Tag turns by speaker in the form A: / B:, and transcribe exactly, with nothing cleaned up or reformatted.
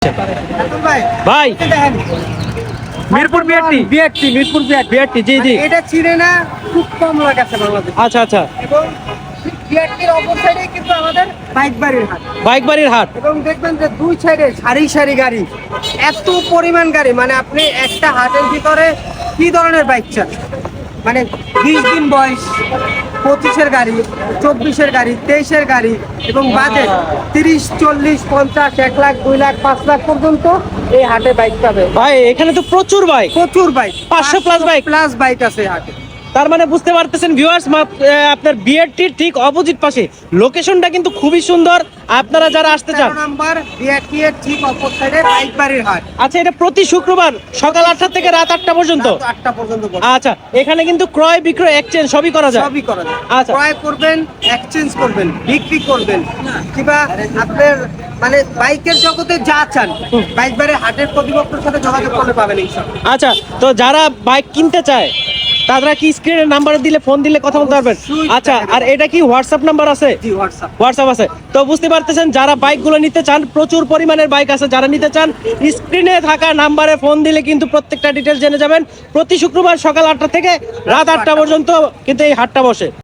A: ভাই Mirpur BRT
B: BRT Mirpur BRT
A: BRT জি জি
B: এটা চিনে না খুব কম লোক আছে বাংলাদেশে।
A: আচ্ছা আচ্ছা
B: এবং বিআরটির অপর সাইডে কিন্তু আমাদের বাইক বাড়ির হাট,
A: বাইক বাড়ির হাট।
B: এবং দেখবেন যে দুই সাইডে সারি সারি গাড়ি, এত পরিমাণ গাড়ি, মানে আপনি একটা হাটের ভিতরে কি ধরনের বাইক চান, মানে বিশ দিন বয়স, পঁচিশের গাড়ি, চব্বিশের গাড়ি, তেইশের গাড়ি, এবং বাজেট তিরিশ চল্লিশ পঞ্চাশ এক লাখ দুই লাখ পাঁচ লাখ পর্যন্ত এই হাটে বাইক পাবে।
A: ভাই এখানে তো প্রচুর বাইক,
B: প্রচুর বাইক,
A: পাঁচশো plus বাইক।
B: প্লাস বাইক আছে হাটে।
A: তার মানে বুঝতে পারতেছেন ভিউয়ার্স, আপনার বিআরটির ঠিক অপোজিট পাশে লোকেশনটা কিন্তু খুবই সুন্দর। আপনারা যারা আসতে চান,
B: তেরো নাম্বার বিআরটি এর ঠিক অপর সাইডে বাইক বাড়ির হাট।
A: আচ্ছা এটা প্রতি শুক্রবার সকাল আটটা থেকে রাত আটটা পর্যন্ত।
B: রাত আটটা পর্যন্ত বসে।
A: আচ্ছা এখানে কিন্তু ক্রয় বিক্রয় এক্সচেঞ্জ সবই করা যায়।
B: সবই করা যায়।
A: আচ্ছা।
B: ক্রয় করবেন, এক্সচেঞ্জ করবেন, বিক্রি করবেন, কিংবা আপনার মানে বাইকের জগতে যা চান বাইক বাড়ির হাটের কর্তৃপক্ষের সাথে যোগাযোগ করলে পাবেন ইনশাআল্লাহ।
A: আচ্ছা তো যারা বাইক কিনতে চায় তারা কি স্ক্রিনের নাম্বার দিলে ফোন দিলে কথা বলতে পারবেন?
B: অবশ্যই।
A: আচ্ছা আর এটা কি হোয়াটসঅ্যাপ নাম্বার আছে?
B: জি হোয়াটসঅ্যাপ।
A: হোয়াটসঅ্যাপ আছে। তো বুঝতে পারতেছেন যারা বাইকগুলো নিতে চান, প্রচুর পরিমাণের বাইক আছে, যারা নিতে চান স্ক্রিনে থাকা নাম্বারে ফোন দিলে কিন্তু প্রত্যেকটা ডিটেল জেনে যাবেন। প্রতি শুক্রবার সকাল আটটা থেকে রাত আটটা পর্যন্ত কিন্তু এই হাটটা বসে।